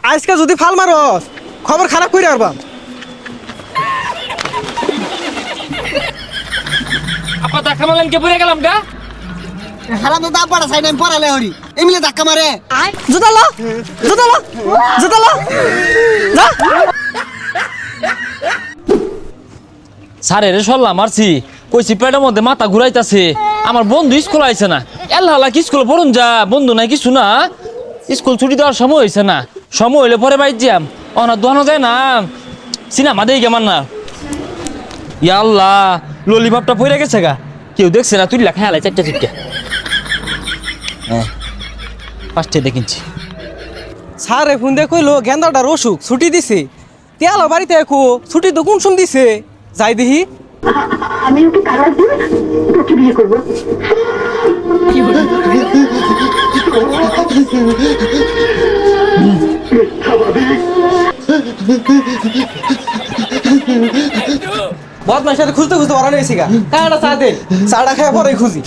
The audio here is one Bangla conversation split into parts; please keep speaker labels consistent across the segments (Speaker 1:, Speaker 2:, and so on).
Speaker 1: আজকে যদি ফাল মারস খবর খারাপ করে আরবাম।
Speaker 2: আপা ধাক্কা মারলেন কে পড়ে গেলাম গা।
Speaker 3: হারাম তো দাপড়া সাইড আমি পড়ালে হরি এমনি ধাক্কা মারে।
Speaker 1: জুতালো জুতালো জুতালো যা।
Speaker 2: স্যারের সল্লা মারছি কইছি পেটের মধ্যে মাথা ঘুরাইতাছে। আমার বন্ধু স্কুল আইছে না, এল্লা কি স্কুল পড়ুন যা বন্ধু নাই কিছু না। স্কুল ছুটি দেওয়ার সময় হয়েছে না, সময় হইলে পরে বাইর যাম। অনা দোয়ানো যায় না, সিনেমা দেই কেমন না। ইয়া আল্লাহ ললিপপটা পড়ে গেছে গা, কেউ দেখছে না। তুই লেখা হেলাই চারটা চিটকা। হ্যাঁ ফার্স্টে দেখিনছি।
Speaker 1: স্যারে ফোন দিয়ে কইলো গেন্দাটার অসুখ ছুটি দিছে। তেয়ালো বাড়িতে একো ছুটি তো কোন সম দিছে যাই দেখি।
Speaker 4: আমি ওকে তালাক দিয়ে তোকে বিয়ে করবো।
Speaker 1: বদমার সাথে খুঁজতে খুঁজতে বড় নিয়েছি গা। কাটা চা দে, চাটা খায় পরে খুঁজি।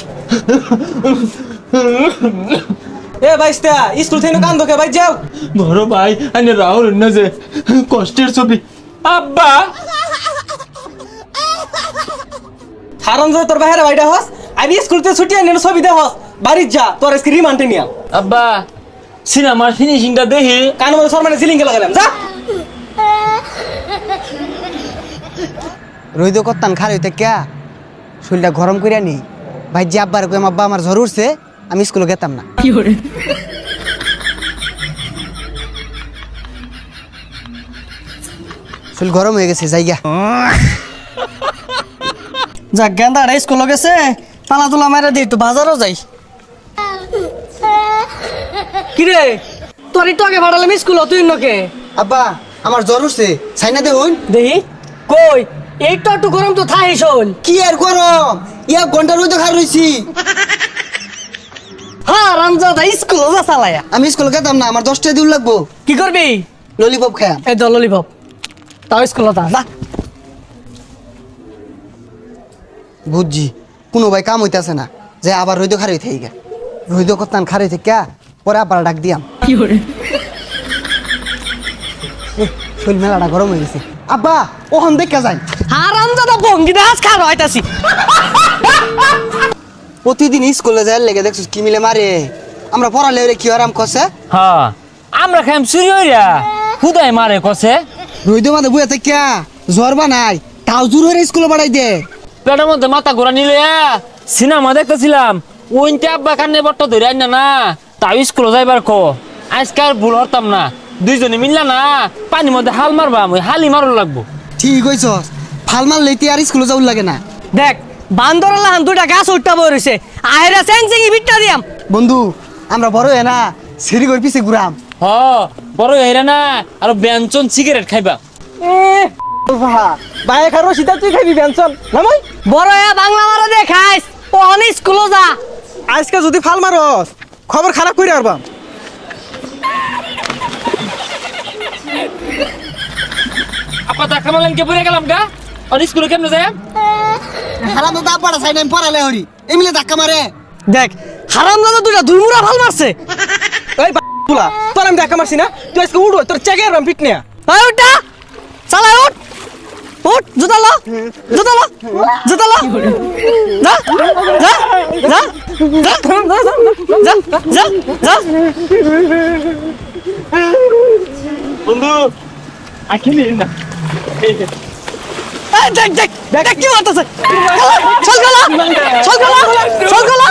Speaker 1: এ বাইস্তা স্কুল থেকে কান্দোকে ভাই যাও।
Speaker 2: বড় ভাই আনে রাহুল না যে কষ্টের ছবি। আব্বা
Speaker 1: হারাম যে তোর বাইরে বাইটা হস আমি স্কুল থেকে ছুটি আনি ছবি দে হস বাড়ি যা তোর আজকে রিমান্ডে নিয়া।
Speaker 2: আব্বা সিনেমার ফিনিশিংটা দেখি।
Speaker 1: কানের মধ্যে সরমানে সিলিংকে লাগালাম যা।
Speaker 3: রইদ করতাম খালি হইতে ক্যা শরীরটা গরম করিয়া নি ভাই যে আব্বার কই আব্বা আমার জ্বর উঠছে আমি স্কুলে গেতাম না। শরীর গরম হয়ে গেছে জায়গা।
Speaker 1: যাক গেন্দাটা স্কুলে গেছে, পালা তোলা মারা দিই একটু বাজারও যাই। কিরে তোর একটু আগে ভাড়ালাম স্কুল তুই নকে।
Speaker 3: আব্বা আমার জ্বর উঠছে সাইনা দেখুন।
Speaker 1: দেখি কই একটু একটু গরম তো থাই শোন।
Speaker 3: কি আর গরম ইয়া ঘন্টা রইদ খার রইছি।
Speaker 1: হ্যাঁ রামজাদা স্কুল যা চালায়া।
Speaker 3: আমি স্কুলে গেতাম না, আমার 10টা দিন লাগবো।
Speaker 1: কি করবি?
Speaker 3: ললিপপ খায়া।
Speaker 1: এই দল ললিপপ তাও স্কুল যা।
Speaker 3: বুঝছি কোনো ভাই কাম হইতাছে না যে আবার রইদ খার হইতে গা রইদ করতাম খার হইতে ক্যা পরে আবার ডাক দিয়াম। শরীর মেলাটা গরম হয়ে গেছে। আব্বা ওখান দেখা যায়
Speaker 1: হ্যাঁ রামজাদা ভঙ্গি দাস খার হইতাছি।
Speaker 3: প্রতিদিন স্কুলে যায় লেগে দেখছিস কি মিলে মারে। আমরা পড়ালে ওরে কি আরাম কষে।
Speaker 2: হ্যাঁ আমরা খাইম চুরি হইরা খুদাই মারে কষে।
Speaker 3: রইদ মাঝে বুয়া থেকে জ্বর বানাই তাও জোর হয়ে স্কুলে বাড়াই দে।
Speaker 2: পেটের মধ্যে মাথা ঘোরা নিলে সিনেমা দেখতেছিলাম ওইতে আব্বা কান্নে বট্টা ধরে আইনা না তাও স্কুলে যাইবার কো। আজকে আর ভুল হরতাম না, দুইজনে মিললা না পানির মধ্যে হাল মারবা ওই হালি মারো লাগবো।
Speaker 3: ঠিক হইছস ফাল মারলে আর স্কুলে যাওয়ার লাগে না।
Speaker 1: দেখ বান্দর লাহান দুটা গাছ উঠটা বই রইছে আহেরা চেংচেঙি বিটটা দিয়াম।
Speaker 3: বন্ধু আমরা বড় হয়ে না সিঁড়ি করে পিছে ঘুরাম।
Speaker 2: হ বড় হইরা না আর ব্যঞ্জন সিগারেট খাইবা।
Speaker 1: বাইরে খারো সিধা তুই খাবি পেনশন নামাই বড় বাংলা মারা দে খাইস ও অনি স্কুলে যা। আজকে যদি ফাল মারস খবর খারাপ করে আরবাম।
Speaker 2: আপা ধাক্কা মারলেন কে পড়ে গেলাম গা। আর স্কুলে কেমনে যায়?
Speaker 3: হারাম তো দাপড়া সাইড আমি পড়ালে হরি এমনি ধাক্কা মারে।
Speaker 1: দেখ হারাম দাদা দুটা দুইমুরা ফাল মারছে। এই বুলা তোর আমি দেখা মারছি না, তুই আজকে উড়ো তোর চেকে আরবাম পিট নিয়া। এই উঠটা চালা উঠ উঠ জুতালো জুতালো জুতালো যা যা যা যা যা যা যা।
Speaker 2: বন্ধু আখিলি না
Speaker 1: দেখ দেখ দেখ কি মারতেছে। চল গলা চল গলা চল গলা